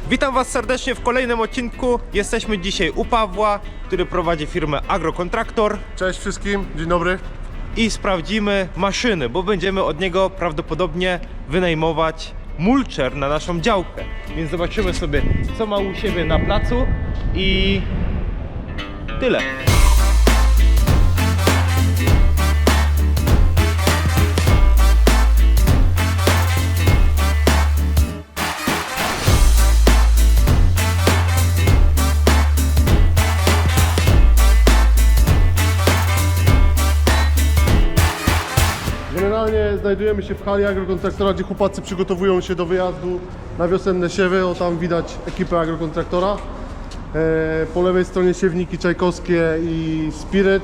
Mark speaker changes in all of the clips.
Speaker 1: Witam Was serdecznie w kolejnym odcinku. Jesteśmy dzisiaj u Pawła, który prowadzi firmę Agrokontraktor.
Speaker 2: Cześć wszystkim, dzień dobry.
Speaker 1: I sprawdzimy maszyny, bo będziemy od niego prawdopodobnie wynajmować mulcher na naszą działkę. Więc zobaczymy sobie, co ma u siebie na placu i tyle.
Speaker 2: Generalnie znajdujemy się w hali Agrokontraktora, gdzie chłopacy przygotowują się do wyjazdu na wiosenne siewy. O, tam widać ekipę Agrokontraktora. Po lewej stronie siewniki czajkowskie i Spirit.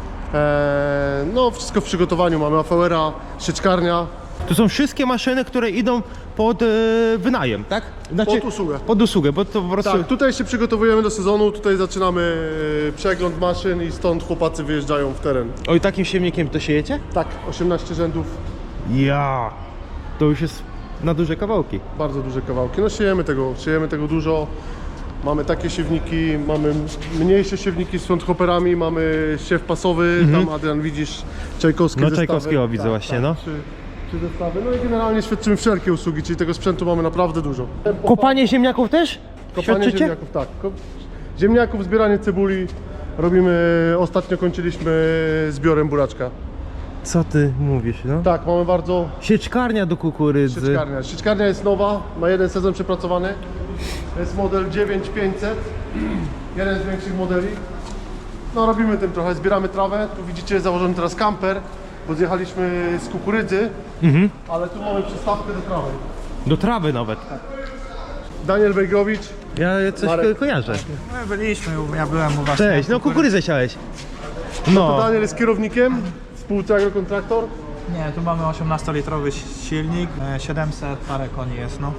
Speaker 2: No wszystko w przygotowaniu. Mamy AVR-a, sieczkarnia.
Speaker 1: Tu są wszystkie maszyny, które idą pod wynajem, tak? Znaczy,
Speaker 2: Pod usługę.
Speaker 1: Pod usługę, bo to po prostu...
Speaker 2: Tak, tutaj się przygotowujemy do sezonu, tutaj zaczynamy przegląd maszyn i stąd chłopacy wyjeżdżają w teren.
Speaker 1: Oj, takim siewnikiem to siejecie?
Speaker 2: Tak, 18 rzędów,
Speaker 1: Ja. To już jest na duże kawałki.
Speaker 2: bardzo duże kawałki. No siejemy tego dużo. Mamy takie siewniki, mamy mniejsze siewniki z fronthopperami, mamy siew pasowy, tam Adrian widzisz czajkowskie
Speaker 1: No
Speaker 2: zestawy.
Speaker 1: Czajkowskiego widzę właśnie, no.
Speaker 2: Trzy zestawy, no i generalnie świadczymy wszelkie usługi, czyli tego sprzętu mamy naprawdę dużo.
Speaker 1: Kopanie ziemniaków też?
Speaker 2: Kopanie
Speaker 1: Świadczycie?
Speaker 2: ziemniaków, tak. Ziemniaków, zbieranie cebuli robimy, ostatnio kończyliśmy zbiorem buraczka.
Speaker 1: Co ty mówisz, no?
Speaker 2: Tak, mamy bardzo...
Speaker 1: Sieczkarnia do kukurydzy.
Speaker 2: Sieczkarnia. Sieczkarnia jest nowa, ma jeden sezon przepracowany. To jest model 9500, jeden z większych modeli. No robimy tym trochę, zbieramy trawę. Tu widzicie założony teraz kamper, bo zjechaliśmy z kukurydzy, ale tu mamy przystawkę do trawy.
Speaker 1: Do trawy nawet.
Speaker 2: Daniel Wejgrowicz.
Speaker 1: Ja coś
Speaker 2: Marek.
Speaker 1: kojarzę.
Speaker 3: My byliśmy, ja byłem u was.
Speaker 1: Cześć, no kukurydzę siałeś.
Speaker 2: To
Speaker 1: No.
Speaker 2: Daniel jest kierownikiem w spółce Agrokontraktor.
Speaker 3: Nie, tu mamy 18-litrowy silnik, 700 parę koni jest, no.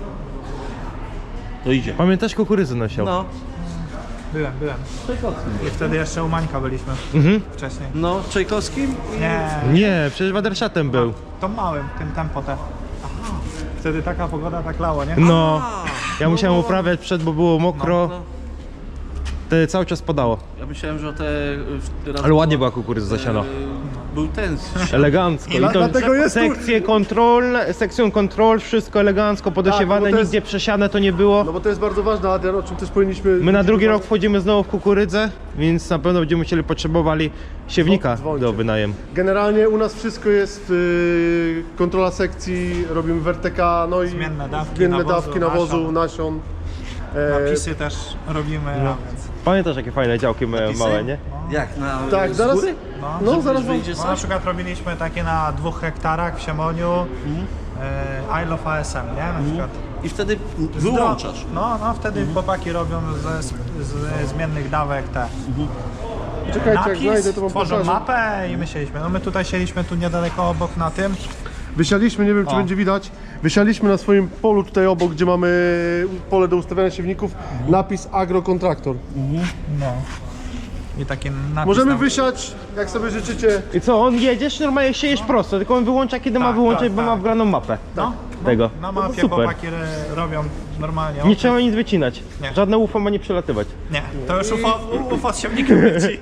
Speaker 4: To idzie.
Speaker 1: Pamiętasz, kukurydzę nosiał?
Speaker 4: No,
Speaker 3: Byłem. I wtedy jeszcze u Mańka byliśmy, wcześniej.
Speaker 4: no, Czajkowskim?
Speaker 3: Nie,
Speaker 1: Nie, przecież Waderschatem był.
Speaker 3: to małym, tym tempo te. Wtedy taka pogoda tak lało, nie?
Speaker 1: No. Ja musiałem uprawiać przed, bo było mokro.
Speaker 4: No.
Speaker 1: Cały czas padało.
Speaker 4: Ja myślałem, że teraz
Speaker 1: Ale ładnie była kukurydza zasiana.
Speaker 4: Był ten.
Speaker 1: Elegancko. I to
Speaker 2: Dlatego jest tu-
Speaker 1: sekcją kontrol, wszystko elegancko, podosiewane,
Speaker 2: Tak, bo to jest-
Speaker 1: nigdzie przesiane to nie było.
Speaker 2: No bo to jest bardzo ważne, Adrian, o czym też powinniśmy...
Speaker 1: My na drugi rok wchodzimy znowu w kukurydzę, więc na pewno będziemy potrzebowali siewnika
Speaker 2: Dzwońcie.
Speaker 1: do wynajem.
Speaker 2: Generalnie u nas wszystko jest, kontrola sekcji, robimy werteka, no i
Speaker 3: Zmienne
Speaker 2: zmienne
Speaker 3: dawki
Speaker 2: dawki
Speaker 3: nawozu,
Speaker 2: nawozu, nasion.
Speaker 3: Napisy też robimy, a więc...
Speaker 1: Pamiętasz, jakie fajne działki małe, nie?
Speaker 4: Jak na.
Speaker 2: Tak,
Speaker 4: z
Speaker 2: zaraz,
Speaker 4: góry?
Speaker 2: no zaraz wam...
Speaker 4: Wyjdzie
Speaker 3: No, na
Speaker 4: coś?
Speaker 3: przykład robiliśmy takie na 2 hektarach w Siemoniu, Isle of ASM, nie? Na przykład.
Speaker 4: I wtedy wyłączasz.
Speaker 3: No, wtedy chłopaki robią ze zmiennych dawek te.
Speaker 2: Czekajcie, jak znajdę,
Speaker 3: Napis,
Speaker 2: to wam
Speaker 3: tworzą
Speaker 2: pokażę.
Speaker 3: mapę i my sieliśmy. No my tutaj sieliśmy tu niedaleko obok na tym.
Speaker 2: Wysialiśmy, nie wiem czy
Speaker 3: O.
Speaker 2: będzie widać, wysialiśmy na swoim polu tutaj obok, gdzie mamy pole do ustawiania siewników, napis Agrokontraktor.
Speaker 3: No. I taki napis
Speaker 2: Możemy
Speaker 3: tam.
Speaker 2: wysiać, jak sobie życzycie.
Speaker 1: I co, on jedziesz, normalnie siejesz prosto, tylko on wyłącza, kiedy ma
Speaker 3: Tak,
Speaker 1: wyłączyć,
Speaker 3: tak,
Speaker 1: bo ma
Speaker 3: tak.
Speaker 1: wgraną mapę
Speaker 3: No,
Speaker 1: tego.
Speaker 3: na
Speaker 1: No to
Speaker 3: mapie
Speaker 1: super.
Speaker 3: chłopaki robią normalnie.
Speaker 1: Nie trzeba nic wycinać.
Speaker 3: Nie.
Speaker 1: Żadne UFO ma nie przelatywać.
Speaker 3: Nie, to już UFO z siewnikiem leci.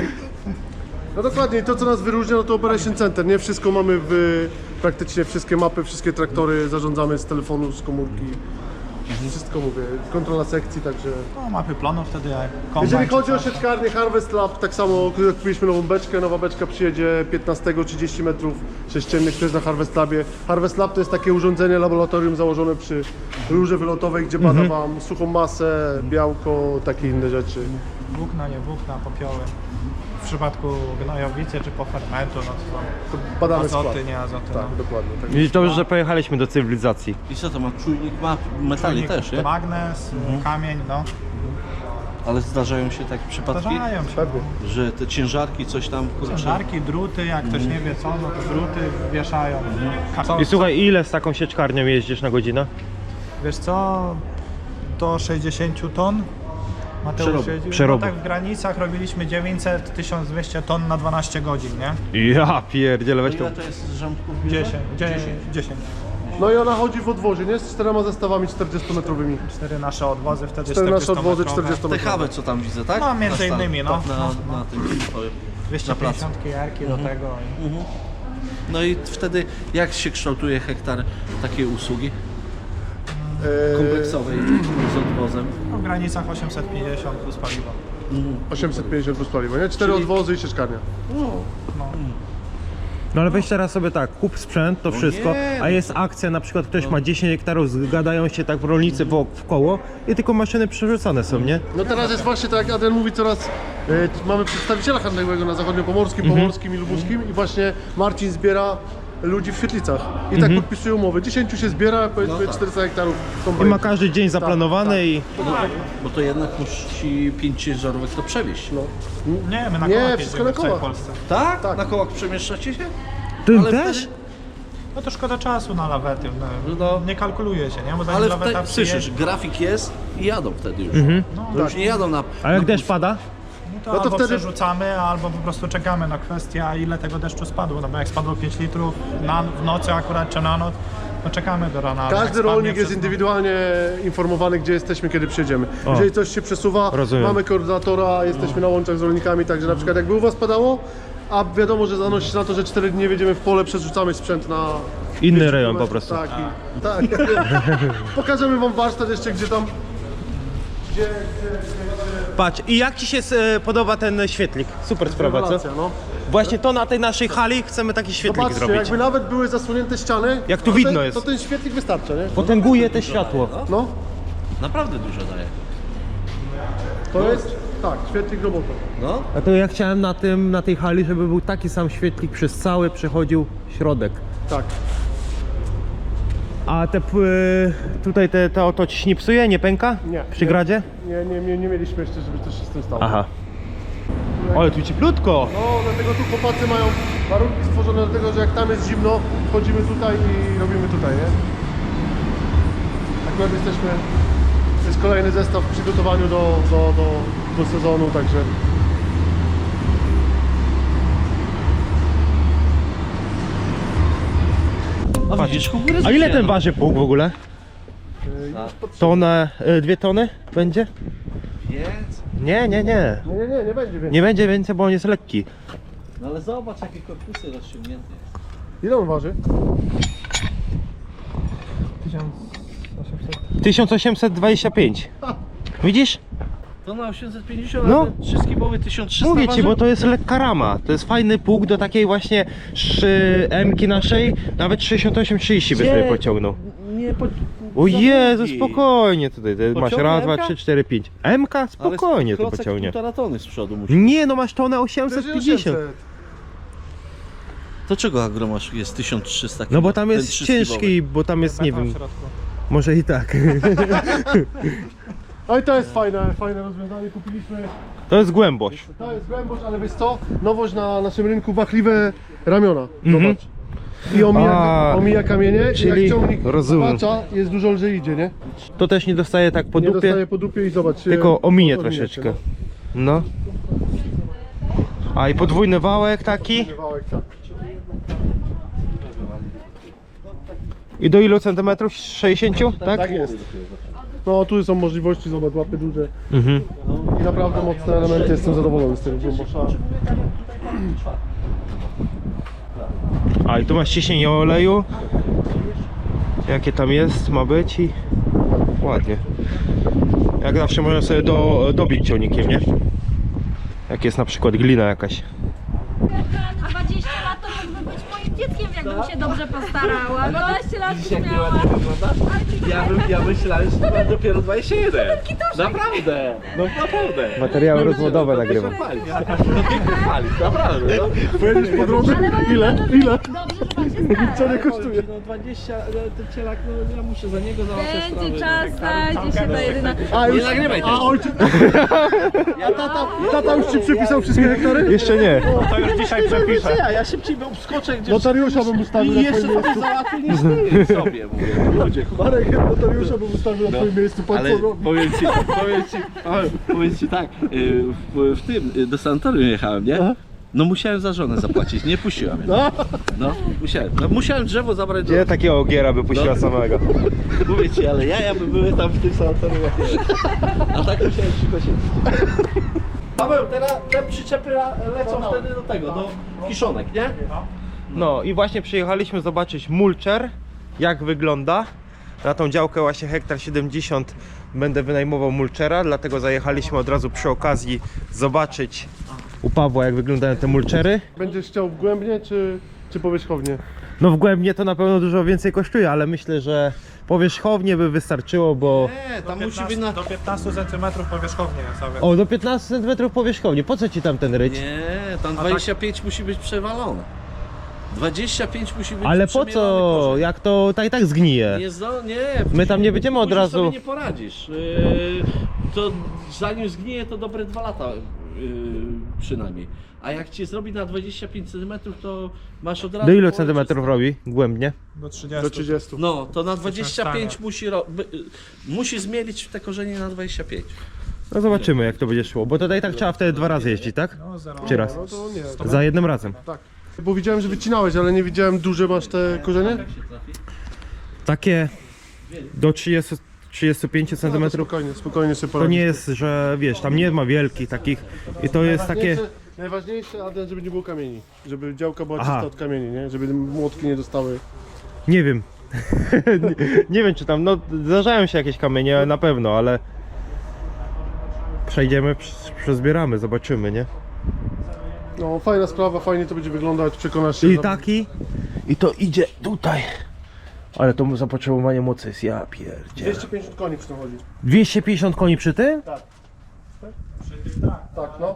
Speaker 2: No dokładnie, to co nas wyróżnia, no to Operation Center, nie? Wszystko mamy praktycznie wszystkie mapy, wszystkie traktory zarządzamy z telefonu, z komórki. Wszystko mówię, kontrola sekcji, także...
Speaker 3: No, mapy plonów wtedy jak kombajn
Speaker 2: Jeżeli
Speaker 3: czy
Speaker 2: chodzi o
Speaker 3: coś.
Speaker 2: sieczkarnię Harvest Lab, tak samo jak kupiliśmy nową beczkę, nowa beczka przyjedzie 15-30 metrów sześciennych też na Harvest Labie. Harvest Lab to jest takie urządzenie, laboratorium założone przy rurze wylotowej, gdzie bada wam suchą masę, białko, takie inne rzeczy.
Speaker 3: Włókna, nie włókna, popioły. W przypadku gnojowicy czy po fermentu, no to
Speaker 2: To badamy
Speaker 3: azoty,
Speaker 2: skład.
Speaker 3: nie azoty.
Speaker 2: Tak,
Speaker 3: no.
Speaker 2: dokładnie. Tak.
Speaker 1: Widzisz, dobrze, że pojechaliśmy do cywilizacji.
Speaker 4: I co to ma? Czujnik ma metali
Speaker 3: Czujnik,
Speaker 4: też, nie?
Speaker 3: magnes, kamień, no.
Speaker 4: Ale zdarzają się takie przypadki,
Speaker 3: Zdarzają się.
Speaker 2: Pewnie.
Speaker 4: że te ciężarki coś tam kurczę.
Speaker 3: Ciężarki, druty, jak ktoś nie wie co, no to druty wieszają.
Speaker 1: I słuchaj, ile z taką sieczkarnią jeździsz na godzinę?
Speaker 3: Wiesz co, do 60 ton Mateusz
Speaker 4: Przerobu.
Speaker 3: jeździł.
Speaker 1: Przerobu.
Speaker 3: No tak w granicach robiliśmy 900-1200 ton na 12 godzin, nie?
Speaker 1: Ja pierdzielę, weź to.
Speaker 4: Ile to jest rządków?
Speaker 3: 10.
Speaker 2: No i ona chodzi w odwozie, nie? Z 4 zestawami 40-metrowymi.
Speaker 3: 4 nasze odwozy, wtedy
Speaker 2: 4 nasze
Speaker 3: 40
Speaker 2: odwozy
Speaker 3: metrowe.
Speaker 2: 40-metrowe.
Speaker 4: Te hawę, co tam widzę, tak?
Speaker 3: No, między
Speaker 4: Na
Speaker 3: innymi, no.
Speaker 4: Na tym, na placu.
Speaker 3: 250 jarki do tego.
Speaker 4: No i wtedy jak się kształtuje hektar takiej usługi
Speaker 2: Eee,
Speaker 4: kompleksowej z odwozem?
Speaker 3: No, w granicach 850 plus paliwo.
Speaker 2: 850 plus paliwo, nie? 4
Speaker 4: Czyli-
Speaker 2: odwozy i sieczkarnia.
Speaker 1: No ale weź teraz sobie tak, kup sprzęt, to wszystko,
Speaker 4: nie,
Speaker 1: a jest akcja, na przykład ktoś ma 10 hektarów, zgadają się tak rolnicy w koło i tylko maszyny przerzucane są, nie?
Speaker 2: No teraz jest właśnie tak, jak Adrian mówi, coraz mamy przedstawiciela handlowego na zachodniopomorskim, pomorskim i lubuskim i właśnie Marcin zbiera ludzi w Świetlicach i tak podpisuje umowy. 10 się zbiera, powiedzmy 400 hektarów
Speaker 1: I
Speaker 2: kombajnu.
Speaker 1: ma każdy dzień zaplanowany i...
Speaker 4: Bo to jednak musi 5 ciężarówek to przewieźć.
Speaker 2: No.
Speaker 3: Nie, my na
Speaker 2: Nie,
Speaker 3: kołach
Speaker 2: wszystko
Speaker 3: jeździmy
Speaker 2: na
Speaker 3: w całej
Speaker 2: kołach.
Speaker 3: Polsce.
Speaker 4: Tak?
Speaker 2: Tak.
Speaker 4: Na kołach przemieszczacie się?
Speaker 1: Ty
Speaker 4: Ale
Speaker 1: też?
Speaker 4: wtedy-
Speaker 3: No to szkoda czasu na lawety. No,
Speaker 4: No.
Speaker 3: nie kalkuluje się, nie? Bo zanim
Speaker 4: Ale
Speaker 3: laweta
Speaker 4: wtedy,
Speaker 3: przyjedzie,
Speaker 4: słyszysz, grafik jest i jadą wtedy już.
Speaker 3: no,
Speaker 4: To już nie jadą na...
Speaker 1: A jak
Speaker 4: na
Speaker 1: deszcz pada?
Speaker 3: no to
Speaker 2: No to
Speaker 3: albo
Speaker 2: wtedy-
Speaker 3: przerzucamy, albo po prostu czekamy na kwestię, a ile tego deszczu spadło. No bo jak spadło 5 litrów w nocy akurat czy na noc, no czekamy do rana. ale jak
Speaker 2: Każdy
Speaker 3: spadnie
Speaker 2: rolnik jest
Speaker 3: przez-
Speaker 2: indywidualnie informowany, gdzie jesteśmy, kiedy przyjedziemy.
Speaker 1: O.
Speaker 2: Jeżeli coś się przesuwa,
Speaker 1: Rozumiem.
Speaker 2: mamy koordynatora, jesteśmy na łączach z rolnikami, także na przykład jakby u was padało, a wiadomo, że zanosi się na to, że 4 dni wjedziemy w pole, przerzucamy sprzęt na...
Speaker 1: Inny
Speaker 2: 5
Speaker 1: rejon po
Speaker 2: kilometrów.
Speaker 1: prostu.
Speaker 2: Tak, Pokażemy wam warsztat jeszcze, gdzie tam... Gdzie
Speaker 1: Patrz, i jak ci się podoba ten świetlik? Super sprawa, co?
Speaker 2: rewelacja, no.
Speaker 1: Właśnie to na tej naszej hali chcemy taki świetlik
Speaker 2: Zobaczcie,
Speaker 1: zrobić.
Speaker 2: jakby nawet były zasłonięte ściany,
Speaker 1: Jak tu
Speaker 2: to
Speaker 1: widno
Speaker 2: ten,
Speaker 1: jest.
Speaker 2: to ten świetlik wystarcza, nie?
Speaker 1: Potęguje te światło.
Speaker 2: No,
Speaker 4: Naprawdę dużo daje.
Speaker 2: to jest... Tak, świetlik robota.
Speaker 4: No.
Speaker 1: A to ja chciałem na tej hali, żeby był taki sam świetlik przez cały przechodził środek.
Speaker 2: Tak.
Speaker 1: A tutaj to ci się nie psuje, nie pęka?
Speaker 2: Nie.
Speaker 1: Przy gradzie?
Speaker 2: Nie mieliśmy jeszcze, żeby coś się z tym stało.
Speaker 1: Aha. Ale tu cieplutko.
Speaker 2: No, dlatego tu chłopacy mają warunki stworzone do tego, że jak tam jest zimno, wchodzimy tutaj i robimy tutaj, nie? Akurat jesteśmy, to jest kolejny zestaw w przygotowaniu do sezonu, także...
Speaker 4: A widzisz, kukurydzę
Speaker 1: A ile ten
Speaker 4: wzięłem.
Speaker 1: waży pług w ogóle? Tonę, 2 tony będzie?
Speaker 4: Jest.
Speaker 1: Nie.
Speaker 2: Nie będzie więcej.
Speaker 1: Nie będzie więcej, bo on jest lekki.
Speaker 4: No ale zobacz, jakie korpusy rozciągnięte.
Speaker 2: Ile on waży?
Speaker 1: 1825. Widzisz?
Speaker 4: To na 850,
Speaker 1: No.
Speaker 4: no. A ten wszystkie były 1300
Speaker 1: Mówię ci,
Speaker 4: waży?
Speaker 1: bo to jest lekka rama. To jest fajny pług do takiej właśnie M-ki naszej. Nawet 68-30 by sobie pociągnął.
Speaker 4: Nie,
Speaker 1: O Jezu,
Speaker 4: zamówi.
Speaker 1: spokojnie tutaj. Masz
Speaker 4: Pociągnie
Speaker 1: raz, dwa,
Speaker 4: M-ka?
Speaker 1: 3, 4, 5. M-ka? Spokojnie to
Speaker 4: klocek
Speaker 1: pociągnie.
Speaker 4: 1,5 tony z przodu musi.
Speaker 1: Nie, no masz tonę 850.
Speaker 4: To czego agromasz jest 1300 kg?
Speaker 1: No bo tam
Speaker 4: Ten
Speaker 1: jest
Speaker 4: trzyskibowy.
Speaker 1: ciężki, bo tam jest, nie
Speaker 3: Beton
Speaker 1: wiem,
Speaker 3: w środku.
Speaker 1: może i tak.
Speaker 2: No i to jest fajne rozwiązanie, kupiliśmy.
Speaker 1: To jest głębość.
Speaker 2: To jest głębość, ale wiesz co? Nowość na naszym rynku, wachliwe ramiona.
Speaker 1: Mhm.
Speaker 2: Zobacz. I omija kamienie,
Speaker 1: czyli
Speaker 2: i jak ciągnik
Speaker 1: rozumiem.
Speaker 2: zbacza, jest dużo lżej idzie, nie?
Speaker 1: To też nie dostaje tak po
Speaker 2: Nie
Speaker 1: dupie,
Speaker 2: dostaje po dupie i zobacz.
Speaker 1: tylko ominie
Speaker 2: się,
Speaker 1: troszeczkę. No. A i podwójny wałek taki.
Speaker 2: no. Wałek, tak.
Speaker 1: I do ilu centymetrów? 60? Tak?
Speaker 2: Tak jest. No tu są możliwości, zobacz, łapy duże.
Speaker 1: Mhm.
Speaker 2: I naprawdę mocne elementy, jestem zadowolony z tego głębosza.
Speaker 1: A i tu masz ciśnienie oleju. Jakie tam jest, ma być i ładnie. Jak zawsze można sobie dobić ciągnikiem, nie? Jak jest na przykład glina jakaś.
Speaker 5: 20 lat to mógłby być moim dzieckiem, jakbym się dobrze postarała. 12 lat już
Speaker 4: Jak
Speaker 5: miała.
Speaker 4: ładnie wyglądasz? Ja myślałem, że to ma dopiero 21. Naprawdę. No naprawdę.
Speaker 1: Materiały rozwodowe nagrywam.
Speaker 4: Palić, naprawdę. No.
Speaker 2: Pojedziesz po drodze? Ile?
Speaker 5: Dobrze, że pan się stara.
Speaker 2: Co nie kosztuje?
Speaker 4: No 20, ten cielak, no ja muszę za niego załatwiać sprawy.
Speaker 5: Będzie czas, znajdzie się ta jedyna.
Speaker 2: A już,
Speaker 4: nagrywaj też.
Speaker 2: a ojciec... A tata już ci przepisał wszystkie hektary?
Speaker 1: Jeszcze nie.
Speaker 3: To już dzisiaj przepiszę.
Speaker 4: Ja szybciej bym skoczę gdzieś
Speaker 2: Notariusza bym ustawił
Speaker 4: i
Speaker 2: na
Speaker 4: jeszcze
Speaker 2: twoim
Speaker 4: sobie
Speaker 2: miejscu.
Speaker 4: załatwię niż ty sobie, mówię. Ludzie,
Speaker 2: Marek, notariusza bym ustawił na twoim miejscu. Pan
Speaker 4: ale
Speaker 2: co robi?
Speaker 4: powiem ci tak, w tym, do sanatorium jechałem, nie?
Speaker 2: Aha.
Speaker 4: No musiałem za żonę zapłacić, nie puściła mnie. No, musiałem drzewo zabrać do...
Speaker 1: Gdzie takiego ogiera by puściła samego?
Speaker 4: Mówię ci, ale jaja by były tam w tym sanatorium jak nie. A tak musiałem szybko się... Paweł, teraz te przyczepy lecą wtedy do tego, do kiszonek, nie?
Speaker 1: No i właśnie przyjechaliśmy zobaczyć mulcher, jak wygląda. Na tą działkę właśnie hektar 70 będę wynajmował mulchera, dlatego zajechaliśmy od razu przy okazji zobaczyć u Pawła, jak wyglądają te mulchery.
Speaker 2: Będziesz chciał wgłębnie czy powierzchownie?
Speaker 1: No wgłębnie to na pewno dużo więcej kosztuje, ale myślę, że powierzchownie by wystarczyło, bo...
Speaker 4: Nie, tam
Speaker 3: Do
Speaker 4: musi
Speaker 3: 15,
Speaker 4: być na...
Speaker 3: do 15 cm powierzchownie jest, a więc
Speaker 1: O, do 15 cm powierzchownie. Po co ci tam ten ryć?
Speaker 4: Nie, tam 25 musi być przewalone. 25 musi być
Speaker 1: Ale po
Speaker 4: przemielony
Speaker 1: co?
Speaker 4: korzeń.
Speaker 1: Jak to tak i tak zgnije.
Speaker 4: Nie,
Speaker 1: My tam nie będziemy od
Speaker 4: później
Speaker 1: razu-
Speaker 4: sobie nie poradzisz. To zanim zgnije, to dobre 2 lata przynajmniej. A jak ci zrobi na 25 cm, to masz od razu...
Speaker 1: Do ilu
Speaker 4: połowę
Speaker 1: centymetrów robi głębnie?
Speaker 3: do 30.
Speaker 2: Do 30.
Speaker 4: No, to na 25
Speaker 3: stanie.
Speaker 4: musi zmielić te korzenie na 25.
Speaker 1: No zobaczymy, jak to będzie szło, bo tutaj tak trzeba wtedy 2 razy jeździć, tak?
Speaker 3: No, 0.
Speaker 1: Czy raz?
Speaker 2: No to nie.
Speaker 1: Za jednym razem.
Speaker 2: Tak. Bo widziałem, że wycinałeś, ale nie widziałem, duże masz te korzenie?
Speaker 1: Takie do 35 cm.
Speaker 2: Spokojnie sobie
Speaker 1: To
Speaker 2: poradzisz.
Speaker 1: nie jest, że wiesz, tam nie ma wielkich takich i to jest takie...
Speaker 2: Najważniejsze, Adrian, żeby nie było kamieni. Żeby działka była
Speaker 1: Aha.
Speaker 2: czysta od kamieni, nie? Żeby młotki nie dostały.
Speaker 1: Nie wiem. nie wiem, czy tam, no zdarzają się jakieś kamienie na pewno, ale przejdziemy, przezbieramy, zobaczymy, nie?
Speaker 2: No fajna sprawa, fajnie to będzie wyglądać, przekonasz się.
Speaker 1: I taki, i to idzie tutaj. Ale to zapotrzebowanie mocy jest, ja pierdzie.
Speaker 2: 250 koni przy tym chodzi.
Speaker 1: 250 koni przy tym?
Speaker 2: Tak, no.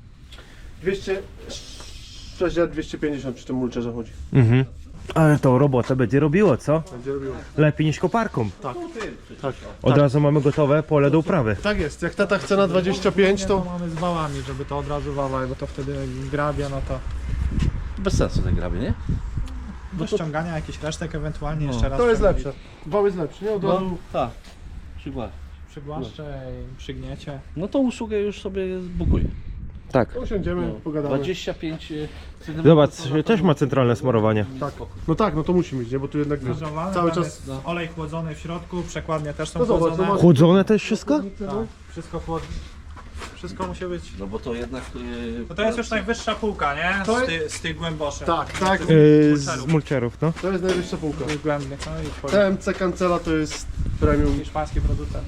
Speaker 2: 250 przy tym mulcherze chodzi.
Speaker 1: Mhm. Ale to robotę będzie robiło, co?
Speaker 2: Będzie robiło.
Speaker 1: Lepiej niż koparką.
Speaker 2: Tak.
Speaker 1: Od razu mamy gotowe pole do uprawy.
Speaker 2: Tak jest, jak tata chce na 25,
Speaker 3: To
Speaker 2: to
Speaker 3: mamy z wałami, żeby to od razu wałać, bo to wtedy grabie, no to
Speaker 4: Bez sensu ten grabie, nie?
Speaker 3: do ściągania jakichś resztek ewentualnie jeszcze raz
Speaker 2: to jest
Speaker 3: ściągnąć.
Speaker 2: lepsze. Wał jest lepszy, nie? Od razu.
Speaker 4: tak. Przykład.
Speaker 3: Przygłaszcze i przygniecie.
Speaker 4: No to usługę już sobie zbukuję.
Speaker 1: Tak.
Speaker 2: Usiądziemy, pogadamy.
Speaker 4: 25 cm.
Speaker 1: Zobacz, też ma centralne smarowanie.
Speaker 2: Tak. No tak, no to musi mieć, nie? Bo tu jednak wiesz,
Speaker 3: Krzyżowane,
Speaker 2: cały
Speaker 3: tam
Speaker 2: czas.
Speaker 3: jest olej chłodzony w środku, przekładnie też są
Speaker 2: No zobacz,
Speaker 3: chłodzone.
Speaker 2: no masz-
Speaker 1: Chłodzone to jest wszystko?
Speaker 3: Tak, wszystko chłodne. Wszystko musi być.
Speaker 4: No bo to jednak...
Speaker 3: No to jest już najwyższa półka, nie?
Speaker 2: To
Speaker 3: Z tych głęboszych.
Speaker 2: Tak, tak.
Speaker 1: Z mulcherów, no.
Speaker 2: To jest najwyższa półka.
Speaker 3: Głębnie, no i twoje
Speaker 2: TMC Cancela to jest premium.
Speaker 3: hiszpański producent.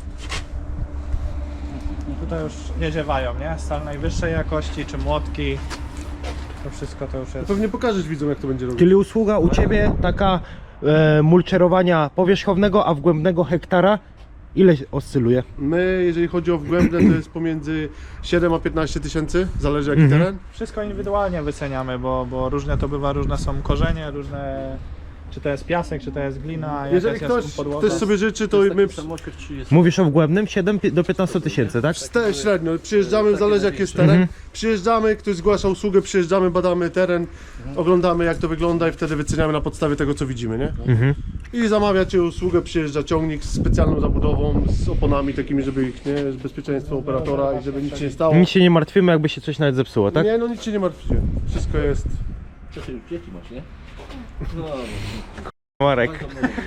Speaker 3: Tutaj już nie ziewają, nie? Stal najwyższej jakości, czy młotki. To wszystko to już jest.
Speaker 2: Pewnie pokażesz widzom, jak to będzie robić.
Speaker 1: Czyli usługa u Ciebie taka mulczerowania powierzchownego, a wgłębnego hektara ile oscyluje?
Speaker 2: My, jeżeli chodzi o wgłębne, to jest pomiędzy 7 a 15 tysięcy, zależy jaki teren.
Speaker 3: Wszystko indywidualnie wyceniamy, bo różne to bywa, różne są korzenie, różne... Czy to jest piasek, czy to jest glina, jaka
Speaker 2: Jeżeli
Speaker 3: jest
Speaker 2: ktoś
Speaker 3: podłoga.
Speaker 2: też sobie życzy, to my
Speaker 4: Samochód 30.
Speaker 1: Mówisz o wgłębnym 7 do 15 tysięcy, tak?
Speaker 2: średnio przyjeżdżamy, zależy jaki jest teren. Przyjeżdżamy, ktoś zgłasza usługę, przyjeżdżamy, badamy teren, oglądamy jak to wygląda i wtedy wyceniamy na podstawie tego, co widzimy, nie? I zamawiacie usługę, przyjeżdża ciągnik z specjalną zabudową, z oponami takimi, żeby ich, nie, bezpieczeństwo operatora i żeby nic się nie stało.
Speaker 1: Nic się nie martwimy, jakby się coś nawet zepsuło, tak?
Speaker 2: Nie, no nic się nie martwcie. Wszystko jest.
Speaker 4: Co ty już dzieci masz, nie? No,
Speaker 1: Marek,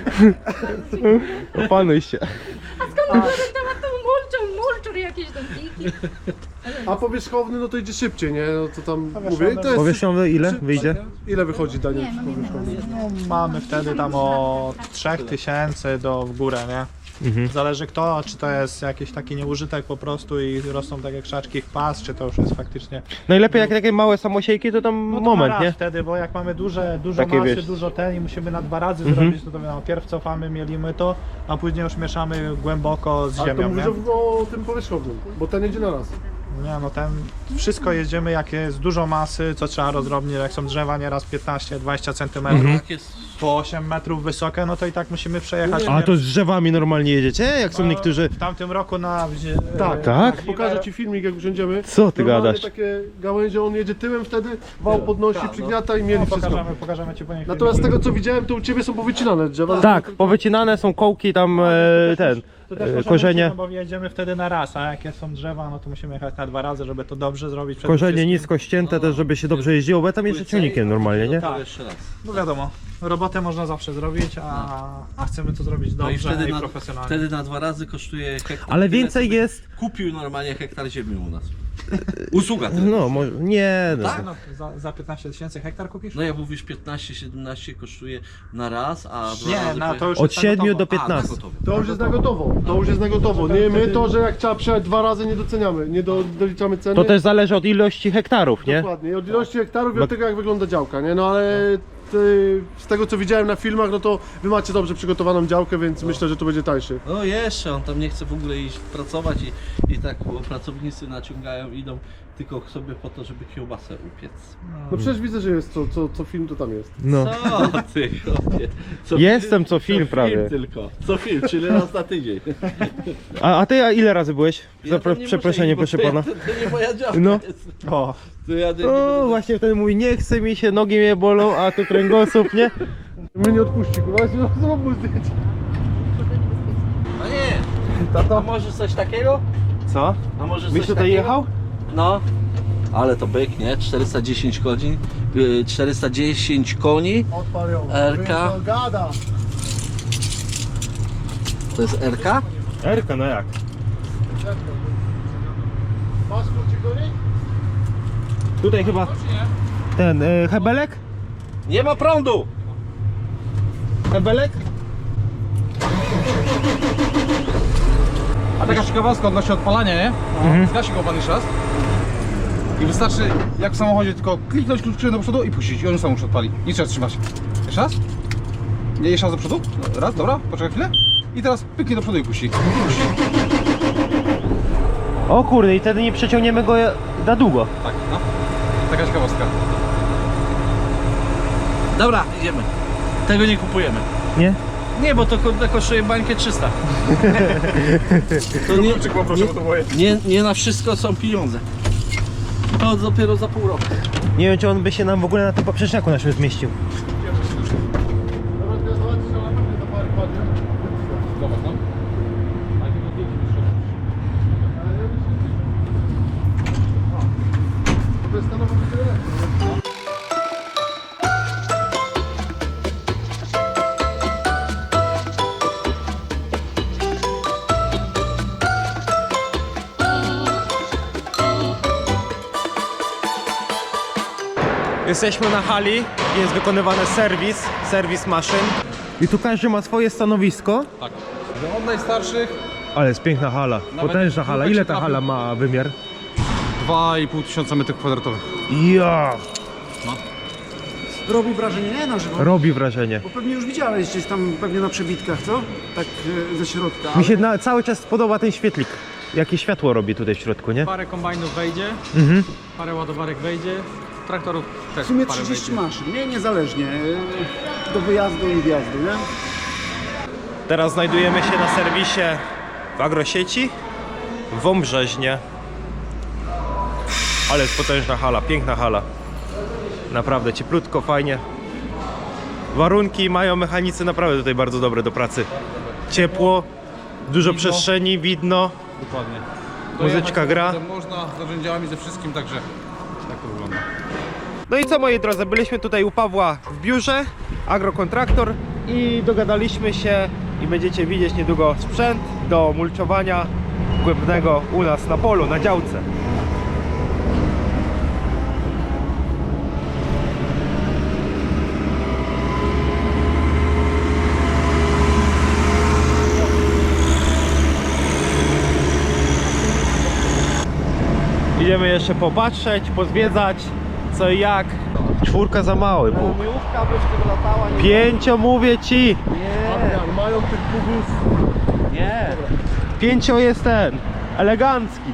Speaker 1: opanuj się.
Speaker 5: Temat tą mulczur jakieś tam piki.
Speaker 2: A powierzchowny, no to idzie szybciej, nie? No to tam mówię, to jest...
Speaker 1: Powierzchowny ile wyjdzie?
Speaker 2: Ile wychodzi, Daniel?
Speaker 5: Nie, mam
Speaker 2: powierzchowny?
Speaker 3: No, mamy wtedy tam o 3000 w górę, nie? Zależy kto, czy to jest jakiś taki nieużytek po prostu i rosną takie krzaczki pas, czy to już jest faktycznie...
Speaker 1: Najlepiej jak takie małe samosiejki, to tam
Speaker 3: No to
Speaker 1: moment,
Speaker 3: na raz
Speaker 1: nie?
Speaker 3: wtedy, bo jak mamy dużo
Speaker 1: Takie,
Speaker 3: masy,
Speaker 1: wiesz.
Speaker 3: dużo ten i musimy na 2 razy zrobić, no to wiadomo, pierw cofamy, mielimy to, a później już mieszamy głęboko z
Speaker 2: Ale to
Speaker 3: ziemią,
Speaker 2: mówisz
Speaker 3: nie?
Speaker 2: o tym powierzchownym, bo ten jedzie na raz.
Speaker 3: Nie, no ten, wszystko jedziemy, jak jest dużo masy, co trzeba rozrobnić, jak są drzewa nieraz 15-20 cm,
Speaker 4: tak jest.
Speaker 3: po 8 metrów wysokie, no to i tak musimy przejechać.
Speaker 1: A to z drzewami normalnie jedziecie? Jak są niektórzy...
Speaker 3: W tamtym roku na...
Speaker 2: Tak,
Speaker 1: Tak?
Speaker 2: Pokażę ci filmik, jak usiądziemy.
Speaker 1: Co ty
Speaker 2: Normalnie
Speaker 1: gadasz?
Speaker 2: takie gałęzie, on jedzie tyłem wtedy, wał podnosi, przygniata i mieli
Speaker 3: No,
Speaker 2: wszystko.
Speaker 3: pokażemy ci później
Speaker 2: Natomiast z
Speaker 3: filmik.
Speaker 2: tego co widziałem, to u ciebie są powycinane drzewa.
Speaker 1: Tak, powycinane są kołki tam, ten,
Speaker 3: To też może
Speaker 1: korzenie.
Speaker 3: być, no bo jedziemy wtedy na raz, a jakie są drzewa, no to musimy jechać na 2 razy, żeby to dobrze zrobić. przede
Speaker 1: Korzenie
Speaker 3: wszystkim.
Speaker 1: nisko ścięte też, żeby się dobrze jeździło, bo ja tam jeżdżę ciągnikiem normalnie, nie?
Speaker 4: To jeszcze raz.
Speaker 3: No wiadomo, robotę można zawsze zrobić, a chcemy to zrobić
Speaker 4: No i
Speaker 3: dobrze
Speaker 4: wtedy
Speaker 3: i
Speaker 4: na,
Speaker 3: profesjonalnie.
Speaker 4: wtedy na 2 razy kosztuje hektar.
Speaker 1: Ale
Speaker 4: tyle,
Speaker 1: więcej
Speaker 4: co by
Speaker 1: jest...
Speaker 4: Kupił normalnie hektar ziemi u nas. Usługa tyle.
Speaker 1: No, może... Nie, no.
Speaker 4: Tak?
Speaker 3: No, za 15 tysięcy hektar kupisz?
Speaker 4: No jak mówisz 15-17 kosztuje na raz, a 2
Speaker 3: Nie,
Speaker 4: razy
Speaker 3: no to już
Speaker 1: Od
Speaker 3: jest na
Speaker 1: 7
Speaker 3: gotowo.
Speaker 1: do
Speaker 4: A, na
Speaker 1: 15.
Speaker 4: gotowe.
Speaker 2: To już jest na gotowo. To już jest na gotowo. Nie, my to, że jak trzeba przejechać 2 razy nie doceniamy, nie doliczamy ceny.
Speaker 1: To też zależy od ilości hektarów, nie?
Speaker 2: Dokładnie, od ilości hektarów i od tego jak wygląda działka, nie? No ale z tego co widziałem na filmach, no to wy macie dobrze przygotowaną działkę, więc myślę, że to będzie tańszy.
Speaker 4: No jeszcze, on tam nie chce w ogóle iść pracować i tak bo pracownicy naciągają, idą tylko sobie po to, żeby kiełbasę upiec.
Speaker 2: No przecież widzę, że jest co film to tam jest.
Speaker 1: No.
Speaker 4: Co ty, chłopie? Co
Speaker 1: Jestem co film prawie.
Speaker 4: Film tylko. Co film, czyli raz na tydzień.
Speaker 1: A ty ile razy byłeś?
Speaker 4: Ja tam nie
Speaker 1: Przeproszenie,
Speaker 4: muszę
Speaker 1: proszę
Speaker 4: iść, bo
Speaker 1: pana.
Speaker 4: To nie moja działka
Speaker 1: No.
Speaker 4: jest.
Speaker 1: O,
Speaker 4: To ja nie
Speaker 1: o
Speaker 4: będę-
Speaker 1: właśnie wtedy mówi, nie chce mi się, nogi mnie bolą, a tu kręgosłup, nie?
Speaker 2: Mnie nie odpuści, kurwa, zrób mu zdjęcie.
Speaker 4: A nie, a może coś takiego?
Speaker 1: Co?
Speaker 4: A może
Speaker 1: Byś
Speaker 4: coś
Speaker 1: tutaj
Speaker 4: takiego?
Speaker 1: jechał?
Speaker 4: No. Ale to byk, nie? 410 koni, 410 koni.
Speaker 2: Odpal ją.
Speaker 4: RK.
Speaker 2: To gada.
Speaker 4: To jest RK?
Speaker 1: Erka, no jak?
Speaker 2: Masz kluczyk do niej?
Speaker 1: Tutaj chyba ten hebelek?
Speaker 4: Nie ma prądu!
Speaker 1: Hebelek?
Speaker 6: A taka ciekawostka odnośnie odpalania, nie? Zgasi go pan jeszcze raz. I wystarczy, jak w samochodzie, tylko kliknąć kluczykiem do przodu i puścić. I on sam już odpali. Nie trzeba trzymać. Jeszcze raz? Nie, jeszcze raz do przodu? Raz, dobra, poczekaj chwilę. I teraz pyknij do przodu i puści.
Speaker 1: O kurde, i wtedy nie przeciągniemy go na długo.
Speaker 6: Tak, no. Taka ciekawostka.
Speaker 4: Dobra, idziemy. Tego nie kupujemy.
Speaker 1: Nie?
Speaker 4: Nie, bo to kosztuje bańkę 300. To nie na wszystko są pieniądze. To dopiero za pół roku.
Speaker 1: Nie wiem, czy on by się nam w ogóle na tym poprzeczniaku naszym zmieścił.
Speaker 2: Dobra, teraz zobaczysz, że na pewno za parę kładzie.
Speaker 6: Zobacz, no.
Speaker 2: To jest stanowa wytyle.
Speaker 1: Jesteśmy na hali, jest wykonywany serwis maszyn. I tu każdy ma swoje stanowisko.
Speaker 6: Tak. Że od najstarszych
Speaker 1: Ale jest piękna hala, potężna hala. Ile ta hala ma wymiar?
Speaker 6: 2,5 tysiąca metrów kwadratowych.
Speaker 1: Ja!
Speaker 7: Robi wrażenie, nie na żywo.
Speaker 1: Robi wrażenie.
Speaker 7: Bo pewnie już widziałeś gdzieś tam pewnie na przebitkach, co? Tak ze środka.
Speaker 1: Mi się cały czas podoba ten świetlik. Jakie światło robi tutaj w środku, nie?
Speaker 8: Parę kombajnów wejdzie, parę ładowarek wejdzie, traktorów też
Speaker 7: W sumie
Speaker 8: parę
Speaker 7: 30
Speaker 8: wejdzie.
Speaker 7: maszyn, nie? Niezależnie. Do wyjazdu i wjazdu, nie?
Speaker 1: Teraz znajdujemy się na serwisie w Agrosieci w Wąbrzeźnie. Ale jest potężna hala, piękna hala. Naprawdę cieplutko, fajnie. Warunki mają mechanicy naprawdę tutaj bardzo dobre do pracy. Ciepło, dużo przestrzeni, widno.
Speaker 6: Dokładnie.
Speaker 1: Muzyczka gra.
Speaker 6: Można z narzędziami, ze wszystkim, także tak to wygląda.
Speaker 1: No i co, moi drodzy, byliśmy tutaj u Pawła w biurze, Agrokontraktor, i dogadaliśmy się i będziecie widzieć niedługo sprzęt do mulczowania głębnego u nas na polu, na działce. Idziemy jeszcze popatrzeć, pozwiedzać co i jak. 4 za mały Bóg.
Speaker 4: Miłówka by w tym latała, nie?
Speaker 1: 5 mówię ci.
Speaker 2: Adrian, mają tych pugów.
Speaker 4: Nie.
Speaker 1: 5 jest ten, elegancki.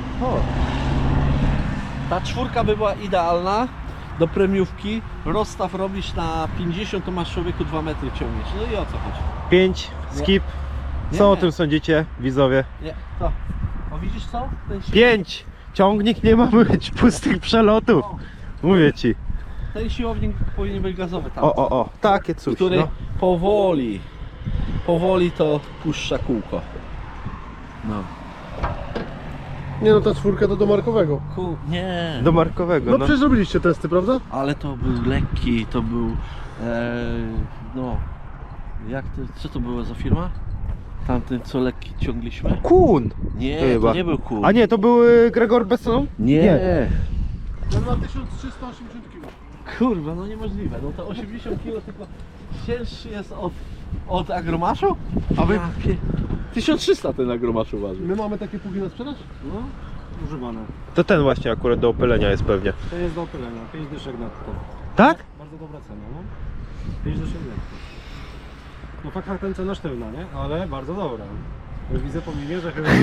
Speaker 4: Ta 4 by była idealna do premiówki. Rozstaw robisz na 50, to masz człowieku 2 metry ciągniesz. No i o co chodzi?
Speaker 1: 5, skip.
Speaker 4: Nie.
Speaker 1: Co o tym sądzicie, widzowie?
Speaker 4: Nie, to. O widzisz co? Ten
Speaker 1: 5. Ciągnik nie ma być pustych przelotów. Mówię ci.
Speaker 4: Ten siłownik powinien być gazowy tam.
Speaker 1: O, takie coś.
Speaker 4: Który
Speaker 1: No.
Speaker 4: powoli to puszcza kółko. No.
Speaker 2: Nie no, ta czwórka to do markowego.
Speaker 4: Nie.
Speaker 1: Do markowego,
Speaker 2: No
Speaker 1: no.
Speaker 2: przecież robiliście testy, prawda?
Speaker 4: Ale to był lekki, to był... no... Jak to... Co to była za firma? Tamten, co lekki ciągliśmy?
Speaker 1: Kun!
Speaker 4: Nie,
Speaker 1: Chyba.
Speaker 4: to nie był kół.
Speaker 1: A nie, to był Gregor Besson?
Speaker 4: Nie.
Speaker 2: Ten ma 1380 kg.
Speaker 4: Kurwa, no niemożliwe. No to 80 kg tylko cięższy jest od agromaszu? A wy... 1300 ten agromaszu waży.
Speaker 2: My mamy takie pługi na sprzedaż?
Speaker 7: No, używane.
Speaker 1: To ten właśnie akurat do opylenia jest pewnie.
Speaker 7: To jest do opylenia, 5 dyszek netto.
Speaker 1: Tak?
Speaker 7: Bardzo dobra cena, no. 5 dyszek netto. No fakt ten cena sztywna, nie? Ale bardzo dobra. Już widzę po minie, że chyba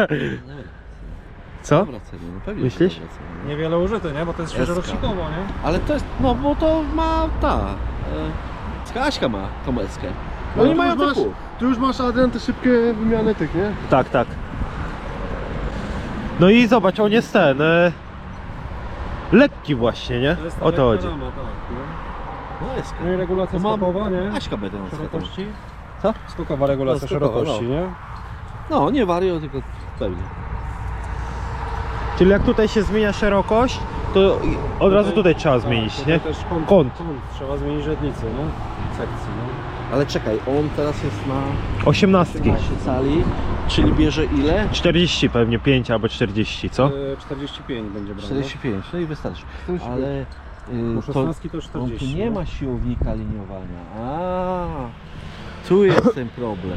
Speaker 1: Co?
Speaker 4: Dobra cena, no pewnie.
Speaker 1: Myślisz?
Speaker 4: że dobra cena, no.
Speaker 7: niewiele użyte, nie? Bo to jest świeżo
Speaker 4: Eska.
Speaker 7: rocznikowo, nie?
Speaker 4: Ale to jest, no bo to ma ta... Kaśka ma tą eskę.
Speaker 2: No
Speaker 4: Oni
Speaker 2: tu
Speaker 4: mają
Speaker 2: już masz,
Speaker 4: typu.
Speaker 2: tu już masz, Adrian, te szybkie wymiany tych, nie?
Speaker 1: Tak, tak. No i zobacz, on jest ten... lekki właśnie, nie?
Speaker 7: To jest
Speaker 1: O to chodzi.
Speaker 7: rama, tak, no.
Speaker 4: No eskę.
Speaker 7: No i regulacja
Speaker 4: To mam-
Speaker 7: skokowa, nie?
Speaker 4: Kaśka będzie na
Speaker 7: Szerokości?
Speaker 4: Co?
Speaker 7: Skokowa regulacja
Speaker 4: No, skokowa,
Speaker 7: szerokości, nie?
Speaker 4: No, nie wario, tylko pewnie.
Speaker 1: Czyli jak tutaj się zmienia szerokość, to od razu tutaj trzeba zmienić,
Speaker 7: tutaj
Speaker 1: nie?
Speaker 7: też
Speaker 1: Kąt.
Speaker 7: kąt. Trzeba zmienić rzędnicy, nie? Sekcji, nie?
Speaker 4: Ale czekaj, on teraz jest na
Speaker 1: 18.
Speaker 4: 18 cali, czyli bierze ile?
Speaker 1: 40 pewnie, 5 albo 40, co?
Speaker 7: 45 będzie brał.
Speaker 4: 45, no i wystarczy.
Speaker 2: 45.
Speaker 4: Ale
Speaker 7: Bo
Speaker 4: to
Speaker 7: 16 to
Speaker 4: on
Speaker 7: 40.
Speaker 4: tu nie ma siłownika liniowania. A, tu jest ten problem.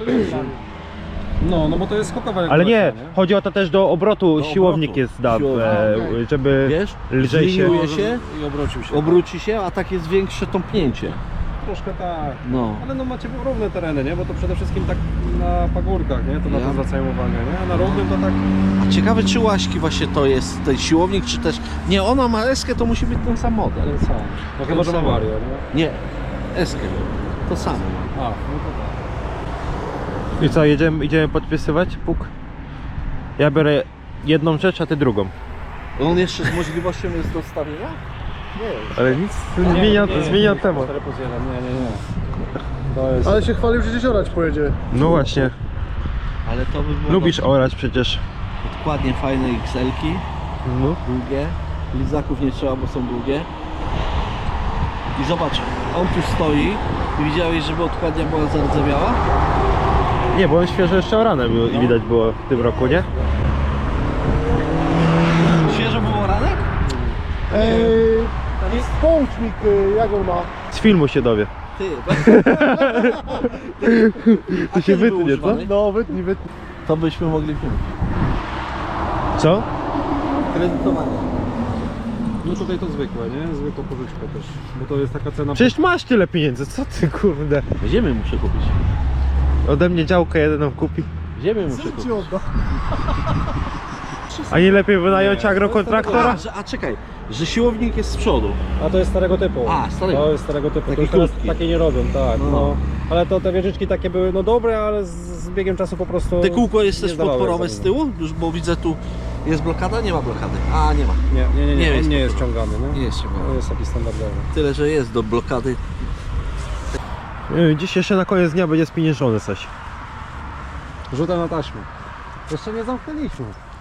Speaker 7: No bo to jest skokowa
Speaker 1: Ale
Speaker 7: regulacja,
Speaker 1: nie, chodzi o to też do obrotu,
Speaker 4: Do
Speaker 1: siłownik
Speaker 4: obrotu.
Speaker 1: jest dam,
Speaker 4: Siłownik.
Speaker 1: żeby
Speaker 4: Wiesz?
Speaker 1: lżej się...
Speaker 4: Zliniuje się,
Speaker 7: I obrócił się.
Speaker 4: obróci się, a tak jest większe tąpnięcie.
Speaker 7: Troszkę tak.
Speaker 4: No.
Speaker 7: Ale no macie równe tereny, nie? Bo to przede wszystkim tak na pagórkach, nie? To na
Speaker 4: Ja-
Speaker 7: to zwracają uwagę, nie? A na równym to tak...
Speaker 4: A ciekawe czy Łaśki właśnie to jest ten siłownik, czy też... Nie, ona ma eskę, to musi być ten sam model.
Speaker 7: Ten sam. No chyba, że ma
Speaker 4: sam.
Speaker 7: Mario, nie?
Speaker 4: Nie, eskę. To samo ma.
Speaker 7: A, no to tak.
Speaker 1: I co, idziemy podpisywać puk? Ja biorę jedną rzecz, a ty drugą.
Speaker 4: On jeszcze z możliwością jest dostawienia? Nie.
Speaker 1: Ale nic, zmienia temat.
Speaker 7: 4+1, nie. To jest...
Speaker 2: Ale się chwalił, że gdzieś orać pojedzie.
Speaker 1: No właśnie,
Speaker 4: Ale to by było...
Speaker 1: lubisz orać przecież.
Speaker 4: Dokładnie fajne XL-ki,
Speaker 1: No.
Speaker 4: długie. Lizaków nie trzeba, bo są długie. I zobacz, on tu stoi i widziałeś, żeby odkładnia była zardzewiała?
Speaker 1: Nie, bo on świeżo jeszcze orane był i widać było w tym roku, nie?
Speaker 4: Świeżo było ranek?
Speaker 2: Połącznik, jak on ma?
Speaker 1: Z filmu się dowie.
Speaker 4: Ty,
Speaker 1: To się wytnie, co?
Speaker 2: No, wytnij.
Speaker 4: To byśmy mogli wziąć.
Speaker 1: Co?
Speaker 4: Kredytowanie.
Speaker 7: No tutaj to zwykłe, nie? Zwykłą pożyczkę też. Bo to jest taka cena...
Speaker 1: Przecież masz tyle pieniędzy, co ty kurde?
Speaker 4: Ziemię muszę kupić.
Speaker 1: Ode mnie działkę jedyną kupi.
Speaker 4: Ziemię muszę
Speaker 2: Ci
Speaker 4: kupić.
Speaker 2: odda.
Speaker 1: A nie lepiej wynająć agrokontraktora?
Speaker 4: A czekaj, że siłownik jest z przodu.
Speaker 7: A to jest starego typu.
Speaker 4: A, starego.
Speaker 7: To jest starego typu.
Speaker 4: Takie
Speaker 7: To już teraz
Speaker 4: krótkie.
Speaker 7: takie nie robią, tak.
Speaker 4: No.
Speaker 7: No. Ale to te wieżyczki takie były no dobre, ale z biegiem czasu po prostu...
Speaker 4: Te kółko jest
Speaker 7: nie
Speaker 4: też
Speaker 7: zdawały
Speaker 4: podporowe z
Speaker 7: egzaminu.
Speaker 4: tyłu? Już, bo widzę tu jest blokada, nie ma blokady. A, nie ma.
Speaker 7: Nie
Speaker 4: Nie jest
Speaker 7: on nie jest ciągany, nie?
Speaker 4: Nie jest
Speaker 7: To
Speaker 4: ciągany.
Speaker 7: jest taki standardowy.
Speaker 4: Tyle, że jest do blokady.
Speaker 1: Dziś jeszcze na koniec dnia będzie spieniężony coś.
Speaker 7: Rzutem na taśmę. Jeszcze nie zamknęliśmy.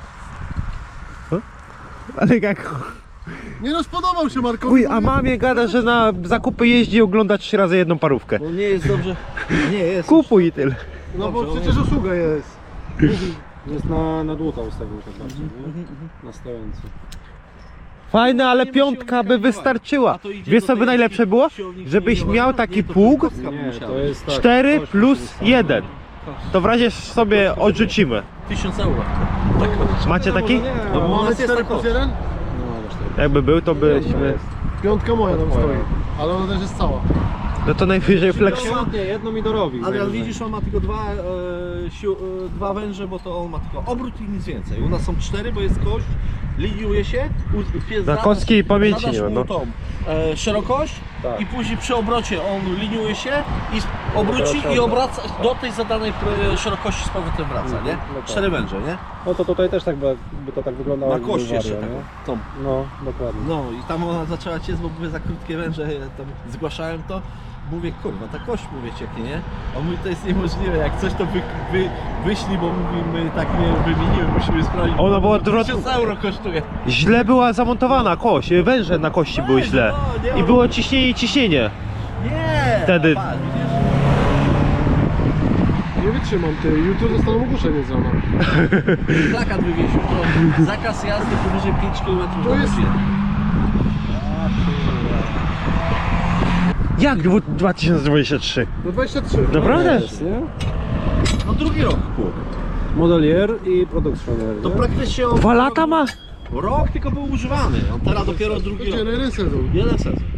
Speaker 1: Ale jak...
Speaker 2: Nie no, spodobał się Markowi.
Speaker 1: Uj, a mamie gada, że na zakupy jeździ i ogląda 3 razy jedną parówkę.
Speaker 4: Bo nie jest dobrze. Nie jest.
Speaker 1: Kupuj i tyle.
Speaker 2: No bo
Speaker 4: Dobrze,
Speaker 2: przecież usługa jest.
Speaker 7: Jest na dłuta ustawił tak bardziej, nie? Na stojący.
Speaker 1: Fajne, ale
Speaker 4: Nie ma
Speaker 1: piątka by
Speaker 4: siłownika
Speaker 1: wystarczyła.
Speaker 4: A to idzie
Speaker 1: Wiesz
Speaker 4: do
Speaker 1: co by
Speaker 4: tej
Speaker 1: najlepsze było?
Speaker 4: siłownika
Speaker 1: Żebyś
Speaker 4: liniowania?
Speaker 1: miał taki
Speaker 4: Nie, to
Speaker 1: pług
Speaker 4: kostka by
Speaker 7: Nie,
Speaker 4: musiała
Speaker 7: to
Speaker 4: być.
Speaker 7: jest tak.
Speaker 1: 4
Speaker 7: kość
Speaker 1: plus
Speaker 7: musi
Speaker 1: 1. To w razie sobie odrzucimy.
Speaker 4: 1000 euro. Tak.
Speaker 1: Macie taki?
Speaker 7: Nie,
Speaker 4: No bo u
Speaker 2: Mamy
Speaker 4: nas jest
Speaker 2: 4
Speaker 4: tak
Speaker 2: plus 1?
Speaker 1: Jakby był, to byśmy...
Speaker 2: Piątka moja tam stoi. Ale ona też jest cała.
Speaker 1: No to najwyżej flex...
Speaker 7: Nie, jedno mi dorobi.
Speaker 4: Ale widzisz, on ma tylko dwa węże, bo to on ma tylko obrót i nic więcej. U nas są 4, bo jest kość, liniuje się.
Speaker 1: Na kostki i pamięci
Speaker 4: zadasz
Speaker 1: nie ma,
Speaker 4: mu
Speaker 1: no.
Speaker 4: tą szerokość
Speaker 7: Tak.
Speaker 4: i później przy obrocie on liniuje się i obróci i obraca do tej zadanej szerokości z powrotem wraca, nie?
Speaker 7: No tak.
Speaker 4: 4 węże, nie?
Speaker 7: No to tutaj też tak by to tak wyglądało.
Speaker 4: Na
Speaker 7: jakby
Speaker 4: kość
Speaker 7: był
Speaker 4: jeszcze
Speaker 7: Wario,
Speaker 4: taką.
Speaker 7: nie?
Speaker 4: Tą.
Speaker 7: No, dokładnie.
Speaker 4: No i tam ona zaczęła ciec, bo były za krótkie węże, ja tam zgłaszałem to. mówię, kurwa, ta kość mówię cieknie, nie? A mówi, to jest niemożliwe, jak coś to wyślij, bo mówi, my tak nie wymieniły, musimy sprawdzić.
Speaker 1: Ona była
Speaker 4: 1000 euro kosztuje.
Speaker 1: Źle była zamontowana kość, węże na kości były źle. I było ciśnienie i ciśnienie.
Speaker 4: Nie!
Speaker 1: Wtedy.
Speaker 4: Patrz, widzisz?
Speaker 2: Nie wytrzymam, ty. Jutro dostaną ogłoszenie z rana.
Speaker 4: Plakat wywiesił, to zakaz jazdy powyżej 5 km
Speaker 2: To jest-
Speaker 1: Jak 2023?
Speaker 2: No 23.
Speaker 1: Naprawdę?
Speaker 7: Nie?
Speaker 4: No drugi rok, chłop.
Speaker 7: Modelier i produkcjoner.
Speaker 4: To praktycznie on
Speaker 1: 2 lata ma?
Speaker 4: rok tylko był używany, on teraz dopiero drugi rok.
Speaker 2: Jeden sezon.
Speaker 4: Jeden sezon.